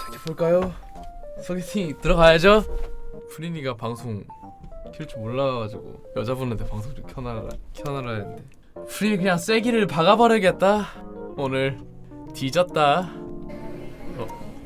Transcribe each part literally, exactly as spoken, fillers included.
어디 볼까요? 소개팅 들어가야죠. 프린이가 방송 킬 줄 몰라가지고 여자분한테 방송 좀 켜놔라 켜놔라 했는데 프린이 그냥 쐐기를 박아버리겠다. 오늘 뒤졌다. 어.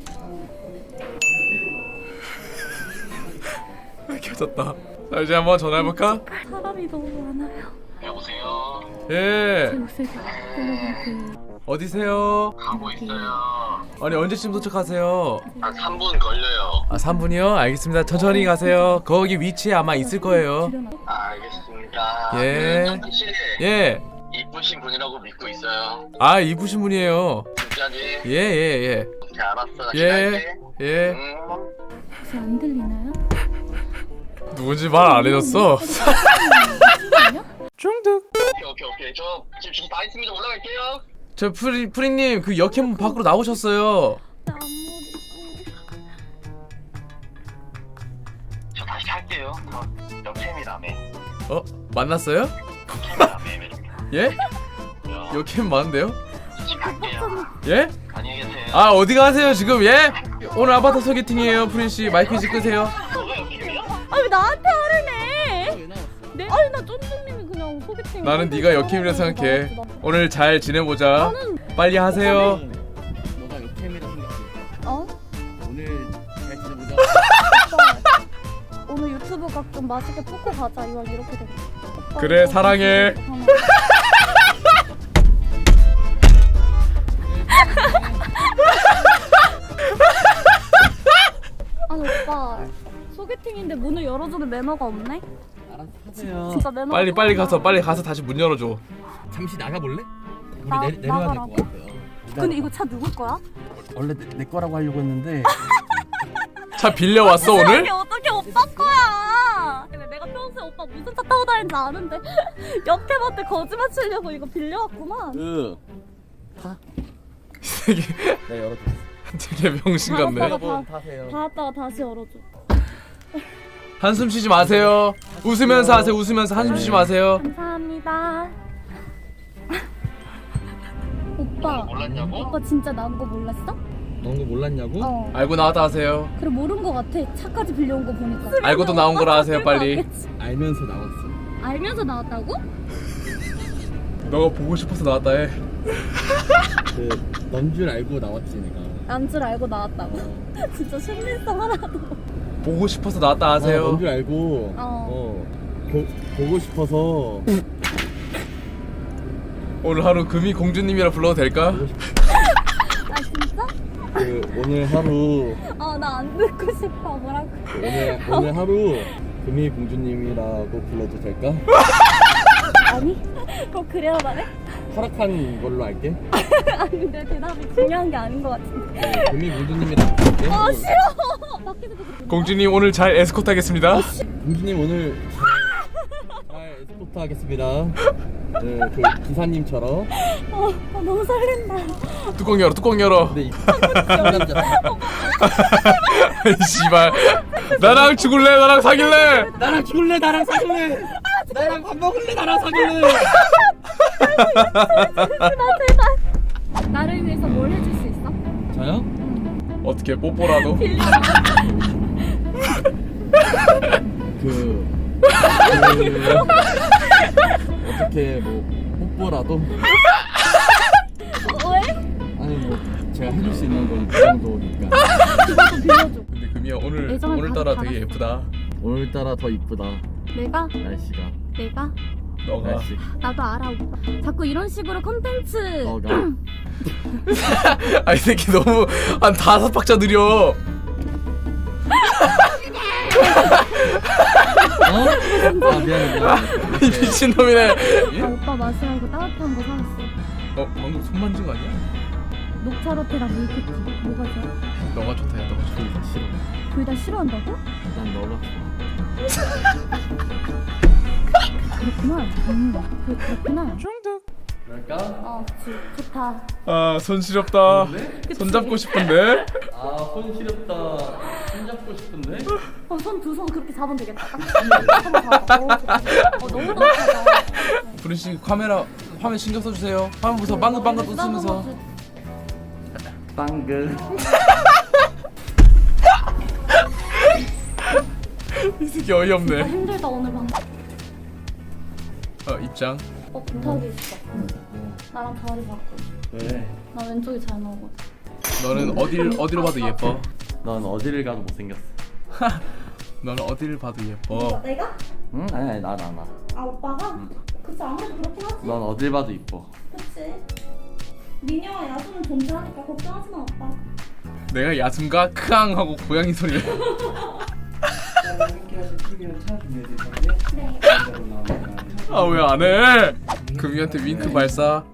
켜졌다. 자 이제 한번 전화해볼까? 사람이 너무 많아요. 여보세요. 예. 제 목소리 들려볼게요. 어디세요? 가고 있어요. 아니 언제쯤 도착하세요? 한 삼 분 걸려요. 아 삼 분이요? 알겠습니다. 천천히 가세요. 거기 위치에 아마 있을 거예요. 아, 알겠습니다. 예. 그, 혹시 예. 이쁘신 분이라고 믿고 있어요. 아 이쁘신 분이에요. 진짜지? 예예예. 오케이, 알았어. 나 예. 기다릴게. 예. 음. 혹시 안 들리나요? 누군지 말 안 해줬어. 중득. 오케이, 오케이, 오케이. 저 지금 지금 다 있습니다. 올라갈게요. 저 프리 프리님 그 역캠 밖으로 나오셨어요. 저 다시 할게요. 저 역캠이라며. 어 만났어요? 역캠이라며. 예? 역캠 많은데요? 지금 갈게요. 예? 안녕히 계세요. 아 어디 가세요 지금 예? 오늘 아바타 소개팅이에요 프린 씨. 마이크 이제 끄세요. 너가 역캠이야? 아 왜 나한테 화를 내? 네? 아니 나 쫀쫀님이 그냥 소개팅. 나는 네가 역캠이라 생각해. 오늘 잘 지내보자. 나는 빨리 하세요. 너가 역캠이라 생각해. 어? 오늘 잘 지내보자. 오빠 오늘 유튜브 각 좀 맛있게 뽑고 가자. 이왕 이렇게 돼. 오빠, 그래, 오빠 사랑해. 하나. 아니 오빠 소개팅인데 문을 열어주는 매너가 없네? 알아서 하세요. 진짜 매너. 빨리 빨리 가서 빨리 가서 다시 문 열어줘. 잠시 나가볼래? 우리 나- 내, 내려야 될 나가라고? 것 같아요. 근데 이거 차 누구 거야? 원래 내, 내 거라고 하려고 했는데 차 빌려 왔어 오늘? 이게 어떻게 오빠 거야? 근데 내가 평소에 오빠 무슨 차 타고 다니는지 아는데 옆에한테 거짓말 치려고 이거 빌려왔구만. 그 타. 되게 내가 열어줘. 되게 병신 같네. 알았어. 여러분 타세요. 닫았다가 다시 열어줘. 한숨 쉬지 마세요. 웃으면서 하세요. 웃으면서 한숨 쉬지 마세요. 감사합니다. 오빠, 몰랐냐고? 오빠 진짜 나온 거 몰랐어? 넌 거 몰랐냐고? 어. 알고 나왔다 하세요. 그래 모른 거 같아. 차까지 빌려온 거 보니까. 알고도 나온 거라 하세요 빨리. 알겠지? 알면서 나왔어. 알면서 나왔다고? 너가 보고 싶어서 나왔다 해. 그 넌 줄 알고 나왔지 내가. 난 줄 알고 나왔다고? 어. 진짜 신빙성 하나도. 보고 싶어서 나왔다 하세요. 넌 줄 알고. 어. 어. 보, 보고 싶어서. 오늘 하루 금이 공주님이라 불러도 될까? 보고 싶... 아 진짜? 그 오늘 하루. 아 나 안 듣고 싶어. 뭐라고? 그 오늘 오늘 하루 금이 공주님이라고 불러도 될까? 아니? 꼭 그래야 말해? 허락한 걸로 할게. 아니 내 대답이 중요한 게 아닌 것 같은데. 네, 금이 공주님이라고 할게. 아 싫어. 밖에서 그렇게. 공주님 오늘 잘 에스코트 하겠습니다. 공주님 오늘 잘, 잘 에스코트 하겠습니다. 네, 그 기사님처럼. 어, 어 너무 설렌다. 뚜껑 열어 뚜껑 열어. 근데 이 남자 씨발. 나랑 죽을래 나랑 사귈래. 나랑 죽을래 나랑 사귈래 나랑 밥 먹을래 나랑 사귈래. 나 제발. 나를 위해서 뭘 해줄 수 있어? 저요? 어떻게 뽀뽀라도? 그, 그 어떻게 뭐 뽀뽀라도. 왜? 아니 뭐 제가 해줄 수 있는 건 그 정도니까. 그것도 빌려줘. 근데 금이야 오늘 애정을 오늘따라 다 되게 예쁘다. 오늘따라 더 이쁘다 내가? 날씨가. 내가? 너가. 날씨. 나도 알아 오빠. 자꾸 이런 식으로 컨텐츠. 너가. 아이 새끼 너무 한 다섯 박자 느려. 어? 아 미안해 미안해. 이 미친놈이네. 아 오빠 마시라고 따뜻한 거 사왔어. 어 방금 손 만진 거 아니야? 녹차라떼랑 밀크티. 뭐가 좋아? 너가 좋다 야 너가 좋다. 둘 다 싫어. 둘 다 싫어한다고? 난 너가 좋아. 그렇구나. 음, 그, 그렇구나. 그럴까? 어, 그치. 좋다. 아손 시렵다. 손 잡고 싶은데. 아손 시렵다. 손 잡고 싶은데? 어, 손 두 손 그렇게 잡으면 되겠다. 한번 잡아. 어, 좋다. 어, 너무 따뜻하다. 브린 씨 카메라 화면 신경 써주세요. 화면 보면서 빵긋빵긋 웃으면서. 빵글. 이게 어이없네. 나 힘들다 오늘 방. 어 입장. 어 부탁이 있어. 나랑 자리 바꿔. 왜? 나 왼쪽이 잘 나오고. 너는 어딜 어디로 봐도 예뻐. 넌 어디를 가도 못생겼어. 너는 어딜 봐도 예뻐. 내가? 응? 아니 아니 나 나 나. 아 오빠가? 응. 그치 아무래도 그렇긴 하지. 넌 어딜 봐도 이뻐. 그치. 미녀와 야수는 존재하니까 걱정하지 마 오빠. 내가 야숨과 크앙 하고 고양이 소리. 함께 하실 튀기는 차 준비해드릴 건데 네. 가운데로 나옵니다. 아 왜 안 해? 금이한테 윙크 발사.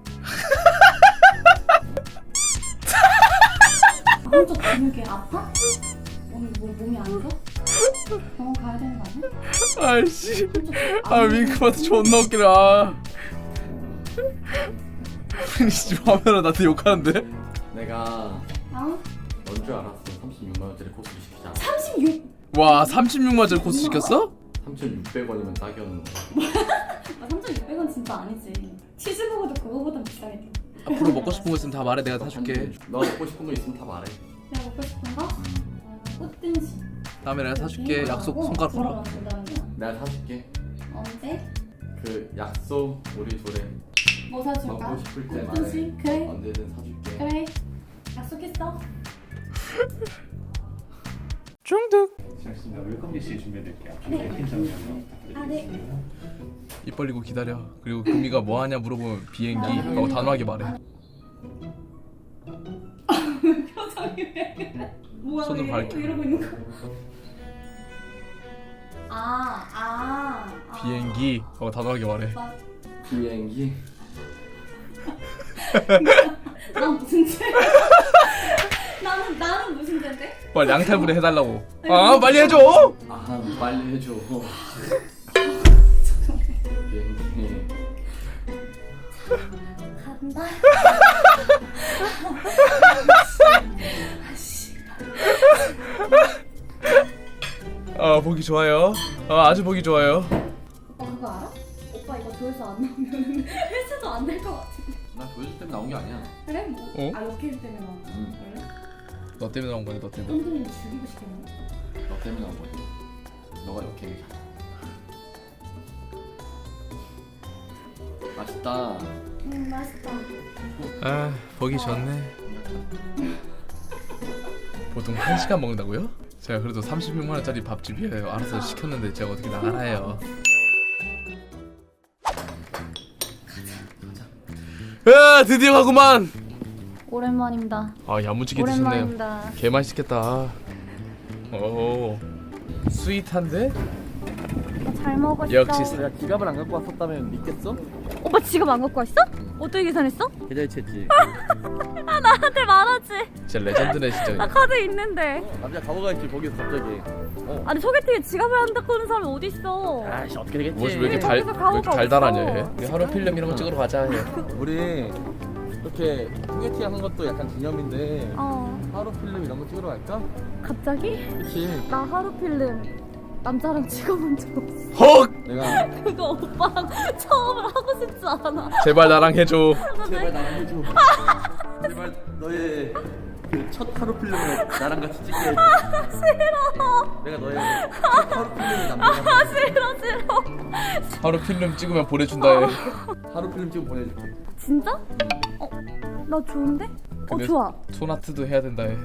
한쪽 근육이 아파? 오늘 뭐 몸이 안 좋아? 병원 가야 되는 거 아니야? 아이씨. 아 윙크 봐서 존나 웃기네. 아. 프린스 화면으로 나한테 욕하는데? 내가 아? 넌 줄 알았어. 삼십육만 원짜리 코스를 시키자. 삼십육! 와 삼십육만 원짜리 코스 시켰어? 삼천육백 원이면 딱이었는데. 아 삼천육백 원 진짜 아니지. 치즈버거도 그거보다 비싸겠다. 앞으로 먹고 싶은 거 있으면 다 말해. 내가 사줄게. 너 먹고 싶은 거 있으면 다 말해. 내가 먹고 싶은 거? 꽃등심. 다음에 내가 사줄게. 약속 손가락 걸어. 내가 사줄게. 언제? 그 약속 우리 둘에 뭐 사줄까? 먹고 싶을 때 말해. 꽃등심? 그래. 언제든 사줄게. 그래. 약속했어. 중득. 시작했습니다. 웰컴 디시 준비해드릴게요. 네. 팀 장면 아 네. 입 벌리고 기다려. 그리고 금이가 뭐 하냐 물어보면 비행기 하고 단호하게 말해. 표정이 왜 그래? 뭐야 손으로 왜, 밝혀. 왜 이러고 있는 거야? 아, 아, 아. 비행기 하고 단호하게 말해. 나, 비행기. 난 무슨 죄? 나는 나는 무슨 죄인데? 빨리 양탈부대 해달라고. 아 빨리 해줘. 아 빨리 해줘. 비행기. 간다. 아 보기 좋아요. 아 아주 보기 좋아요. 오빠 그거 알아? 오빠 이거 조회수 안 나오면 회수도 안 될 것 같은데. 나 조회수 때문에 나온 게 아니야. 그래? 뭐? 어? 아 로켓 때문에 나온 거. 응. 그래? 너 때문에 나온 거니 너 때문에. 똥둥이 죽이고 싶겠네. 너 때문에 나온 거지. 너가 이렇게. 맛있다. 음 맛있다. 아 보기 좋네. 보통 한 시간 먹는다고요? 제가 그래도 삼십육만 원짜리 밥집이에요. 알아서 시켰는데 제가 어떻게 나가나요? 야 드디어 가구만. 오랜만입니다. 아 야무지게 드셨네요. 오랜만입니다. 개 맛있겠다. 오 스윗한데? 잘 먹었어. 역시 내가 지갑을 안 갖고 왔었다면 믿겠어? 오빠 지갑 안 갖고 왔어? 어떻게 계산했어? 계좌이체했지. 아 나한테 말하지. 진짜 레전드네 나 진짜. 카드 있는데. 남자 가보가 있지 거기서 갑자기. 어. 아니 소개팅에 지갑을 안 갖고 오는 사람이 어디 있어? 아씨 어떻게 되겠지? 뭐지 왜 이렇게 달, 왜 거기서 이렇게 가오가 달달하냐 없어. 얘? 우리 하루 필름 이런 거 찍으러 가자 얘. 우리 이렇게 소개팅 하는 것도 약간 기념인데 어 하루 필름 이런 거 찍으러 갈까? 갑자기? 그치. 나 하루 필름 남자랑 찍어본 적 없어. 헉! 내가 그거 오빠랑 처음으로 하고 싶지 않아. 제발 나랑 해줘. 제발 나랑 해줘. 제발 너의 그 첫 하루 필름을 나랑 같이 찍게 해줘. 싫어. 내가 너의 첫 하루 필름을 남자랑 아 싫어 싫어. 하루 필름 찍으면 보내준다 얘. 하루 필름 찍어 보내줄게. 진짜? 어? 나 좋은데? 어 근데 좋아. 소나트도 해야 된다 얘.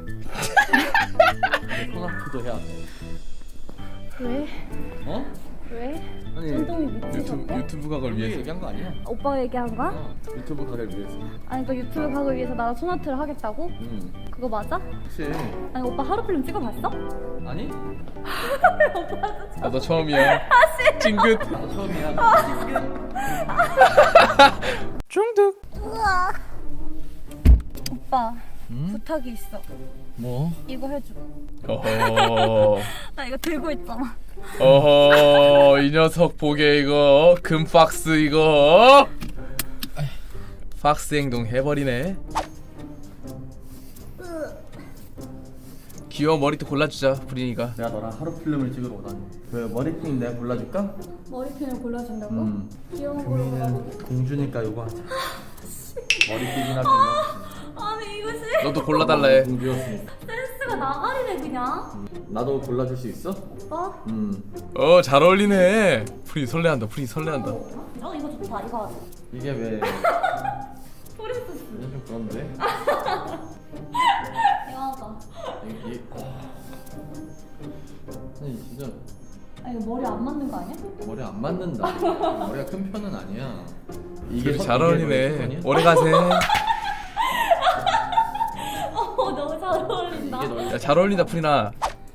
소나트도 해야 돼. 왜? 어? 왜? 아니 쫀동이 유튜브 미치셨대? 유튜브 각을 우리 위해서. 얘기한 거 아니야? 오빠가 얘기한 거야? 어, 유튜브 가게를 위해서. 아니 그 유튜브 가기 위해서 나랑 소나트를 하겠다고? 응. 그거 맞아? 그치. 아니 오빠 하루 필름 찍어봤어? 아니? 나도 처음이야. 찡긋. 나도 처음이야. 중득. 우와. 오빠 응? 부탁이 있어. 뭐? 이거 해줘. 어허. 나 이거 들고 있잖아. 어허 이 녀석 보게 이거 금 박스 이거. 박스 행동 해버리네. 귀여운 머리도 골라주자 브린이가. 내가 너랑 하루 필름을 찍으러 오다니. 그 머리핀 내가 골라줄까? 머리핀을 골라준다고? 음. 귀여운 걸로 골라줘. 공주니까 이거 하자. 머리핀이나 좀. 아니 이거 싫어. 너도 골라달라 해. 공주였어. 센스 포인트가 나가리네 그냥. 나도 골라줄 수 있어? 어? 음 어 잘 어울리네. 프린 설레한다. 프린 설레한다. 어 이거 좋다 이거 하자. 이게 왜 프린세스. 이게 좀 그런데? 이거 하자. 이게 아니 진짜 아 이거 머리 안 맞는 거 아니야? 머리 안 맞는다. 머리가 큰 편은 아니야. 둘이 선- 잘 너의 어울리네. 선이야? 오래 가세. 어 너무 잘 어울린다. 이게 너의 야, 잘 어울린다 프리나.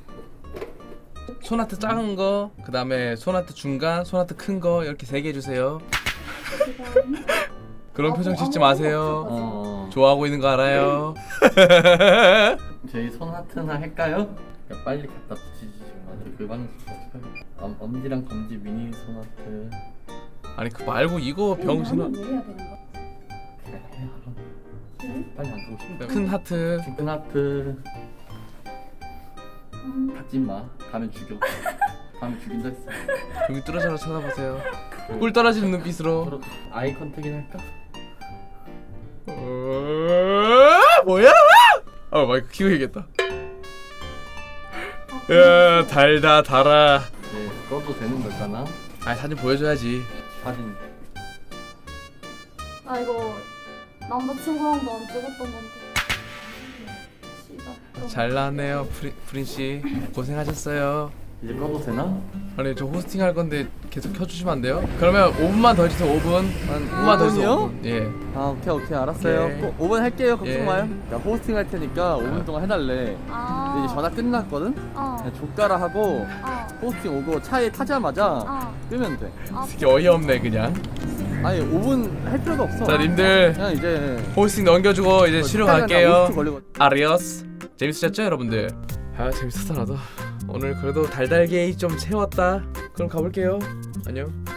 손아트 작은 거, 그 다음에 손아트 중간, 손아트 큰 거 이렇게 세 개 해주세요. 그런 표정 짓지 마세요. 어 좋아하고 있는 거 알아요. 저희 손 하트나 할까요? 야, 빨리 갖다 붙이지 지금 아직 그 방송 어떡해? 엄, 엄지랑 검지 미니 손 하트 아니 그 말고 이거 병신아. 나는 왜 해야 되는 거야? 그래 해 알아. 빨리 안 가고 싶다. 큰 하트. 큰 하트 음. 갖지 마. 가면 죽여. 가면 죽인다 했어. 여기 뚫어져라 쳐다보세요. 꿀 떨어지는 눈빛으로. 서로 아이 컨택이나 할까? 어... 뭐야? 아 마이크 키고 얘기했다. 야 달다 달아. 네, 꺼도 되는 걸까나? 아 사진 보여줘야지. 사진. 아 이거 남자친구랑도 안 찍었던 건데. 씨발. 잘 나왔네요 프린 프린 씨. 고생하셨어요. 이제 꺼도 되나? 아니 저 호스팅 할 건데 계속 켜주시면 안 돼요? 그러면 오 분만 더 해주세요. 오 분. 한 오 분만 더 해주세요. 오 분. 예. 아 오케이 오케이 알았어요. 오케이. 꼭 오 분 할게요. 걱정 예. 마요. 나 호스팅 할 테니까 오 분 동안 해달래. 아. 근데 이제 전화 끝났거든? 어. 그냥 족가라 하고 어. 호스팅 오고 차에 타자마자 어. 끄면 돼. 아. 이게 어이없네 그냥. 아니 오 분 할 필요도 없어. 자 님들 그냥 이제 호스팅 넘겨주고 이제 쉬러 시간이 한 갈게요. 오십 초 걸리거든. 아리오스. 재밌으셨죠 여러분들? 아 재밌었어 나도. 오늘 그래도 달달게이 좀 채웠다. 그럼 가볼게요. 안녕.